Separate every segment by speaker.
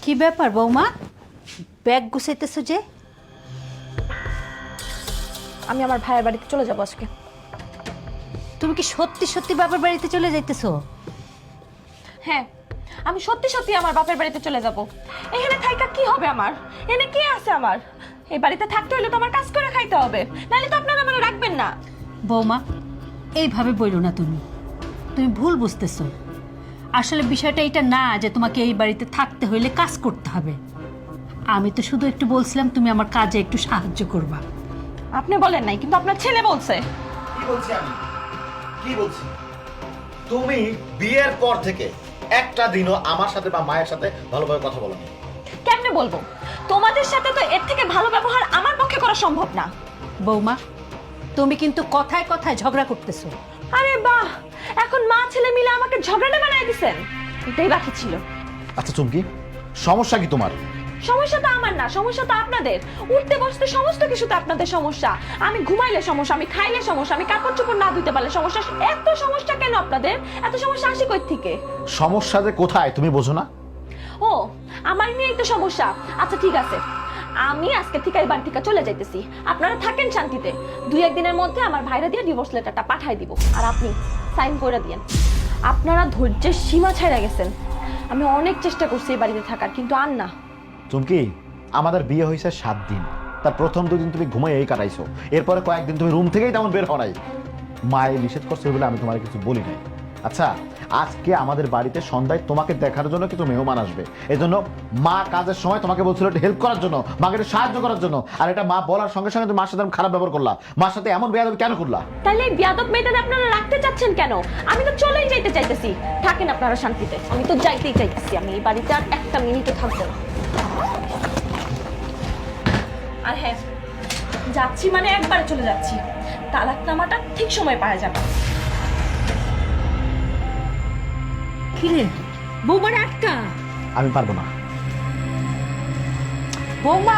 Speaker 1: কি ব্যাপার বৌমা, ব্যাগ গুছাইতেছো যে?
Speaker 2: আমি আমার ভাইয়ের বাড়িতে চলে যাব আজকে।
Speaker 1: তুমি কি সত্যি সত্যি বাবার বাড়িতে চলে যাইতেছো?
Speaker 2: হ্যাঁ, আমি সত্যি সত্যি আমার বাপের বাড়িতে চলে যাব। এখানে থাইকা কি হবে আমার? এনে কে আছে আমার? এই বাড়িতে থাকতে হলে তো আমার কাজ করে খাইতে হবে, নাহলে তো আপনারা আমার রাখবেন না।
Speaker 1: বৌমা, এইভাবে বইলো না, তুমি তুমি ভুল বুঝতেছো। আসলে বিষয়টা এটা না যে তোমাকে এই বাড়িতে থাকতে হইলে কাজ করতে হবে। আমি তো শুধু একটু বলছিলাম তুমি আমার কাজে একটু সাহায্য করবা।
Speaker 2: আপনি বলেন নাই, কিন্তু আপনার ছেলে বলছে।
Speaker 3: কি বলছি আমি? কি বলছি? তুমি বিয়ের পর থেকে একটা দিনও আমার সাথে বা মায়ের সাথে ভালোভাবে কথা বলো না।
Speaker 2: কেমনে বলবো? তোমাদের সাথে তো এর থেকে ভালো ব্যবহার আমার পক্ষে করা সম্ভব না।
Speaker 1: বৌমা, তুমি কিন্তু কথায় কথায় ঝগড়া করতেছো।
Speaker 2: আরে বাহ, এখন মা ছেলে মিলে আমাকে ঝগড়াটা বানায় দিছেন। এটাই বাকি ছিল।
Speaker 3: আচ্ছা চুমকি, সমস্যা কি তোমার?
Speaker 2: সমস্যা তো আমার না, সমস্যা তো আপনাদের। উঠতে বসতে সমস্ত কিছুতে আপনাদের সমস্যা। আমি ঘুমাইলে সমস্যা, আমি খাইলে সমস্যা, আমি কাপড় চোপড় না ধুইতে পারলে সমস্যা। এত সমস্যা কেন আপনাদের? এত সমস্যা আসে কই থেকে?
Speaker 3: সমস্যা যে কোথায় তুমি বোঝো না?
Speaker 2: ও, আমার নিয়েই তো সমস্যা। আচ্ছা ঠিক আছে, আমি আজকে থেকে এই বাড়ি থেকে চলে যাইতেছি। আপনারা থাকেন শান্তিতে। 2-1 দিনের মধ্যে আমার ভাইরা দিয়ে ডিভোর্স লেটারটা পাঠাই দিব, আর আপনি সাইন করে দিয়েন। আপনারা ধৈর্যের সীমা ছাড়া গেছেন। আমি অনেক চেষ্টা করছি এই বাড়িতে থাকার, কিন্তু আর না।
Speaker 3: চুমকি, আমাদের বিয়ে হয়েছে 7 দিন। তার প্রথম 2 দিন তুমি ঘুমাই এই কাটাইছো। এরপরে কয়েকদিন তুমি রুম থেকেই তেমন বের হও নাই। মায়ে নিষেধ করছে বলে আমি তোমার কিছু বলি নাই। আচ্ছা, আজকে আমাদের বাড়িতে সন্ধ্যায় তোমাকে দেখার জন্য কিছু মেহমান আসবে। এই জন্য মা কাজের সময় তোমাকে বলছিল একটু হেল্প করার জন্য, মাকে একটু সাহায্য করার জন্য। আর এটা মা বলার সঙ্গে সঙ্গে তুমি মার সাথে খারাপ ব্যবহার করলা। মার সাথে এমন বেয়াদবি কেন করলা?
Speaker 2: তাহলে এই বিয়াদব মেয়েটাকে আপনারা রাখতে চাচ্ছেন কেন? আমি তো চলেই যাইতে চাইতেছি। থাকেন আপনারা শান্তিতে, আমি তো যাইতেই চাইতেছি। আমি এই বাড়িতে আর একটা মিনিটও থাকবো না। আর হ্যাঁ, যাচ্ছি মানে একবারে চলে যাচ্ছি। তালাকনামাটা ঠিক সময় পাওয়া যাবে।
Speaker 1: কিরে বৌমার একটা?
Speaker 3: আমি পারবো না।
Speaker 1: বৌমা,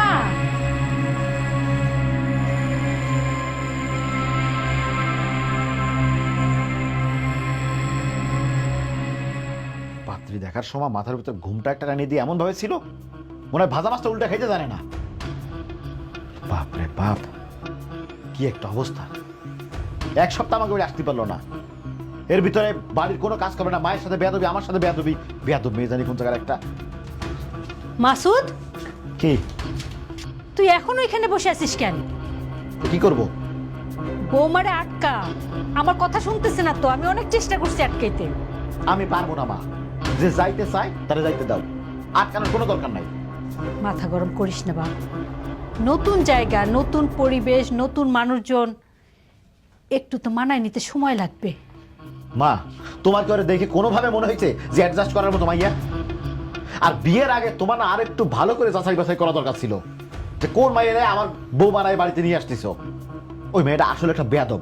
Speaker 3: পাত্রী দেখার সময় মাথার ভিতর ঘুমটা একটা টানিয়ে দিয়ে এমন ভাবে ছিল মনে হয় ভাজা মাছটা উল্টা খাইতে জানে না। বাপ রে বাপ, কি একটা অবস্থা! 1 সপ্তাহ আমাকে ওই আসতে পারলো না। এর ভিতরে বাড়ির কোনো কাজ করে না, মায়ের সাথে বেয়াদবি, আমার সাথে বেয়াদবি। বেয়াদব মেয়ে জানি কোন জায়গার একটা।
Speaker 1: মাসুদ,
Speaker 3: কি?
Speaker 1: তুই এখনো এখানে বসে আছিস কেন?
Speaker 3: কি করব?
Speaker 1: বৌমারে আটকা। আমার কথা শুনতেছে না তো, আমি অনেক চেষ্টা করছি আটকাইতে।
Speaker 3: আমি পারবো না মা। যে যাইতে চাই তারা যাইতে দাও, আটকানোর কোনো দরকার নাই।
Speaker 1: মাথা গরম করিস না বাবা। নতুন জায়গা, নতুন পরিবেশ, নতুন মানুষজন, একটু তো মানায় নিতে সময় লাগবে।
Speaker 3: মা, তোমার কি ওরে দেখে কোনোভাবে মনে হয়েছে যে অ্যাডজাস্ট করার মতো মাইয়া? আর বিয়ের আগে তোমার না আর একটু ভালো করে যাচাই বাছাই করা দরকার ছিল যে কোন মাইয়া আমার বউ মারায় বাড়িতে নিয়ে আসতেছ। ওই মেয়েটা আসলে একটা বেয়াদব।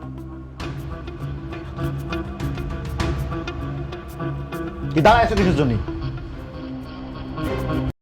Speaker 3: কি দাঁড়ায় আছো কিসের জন্য?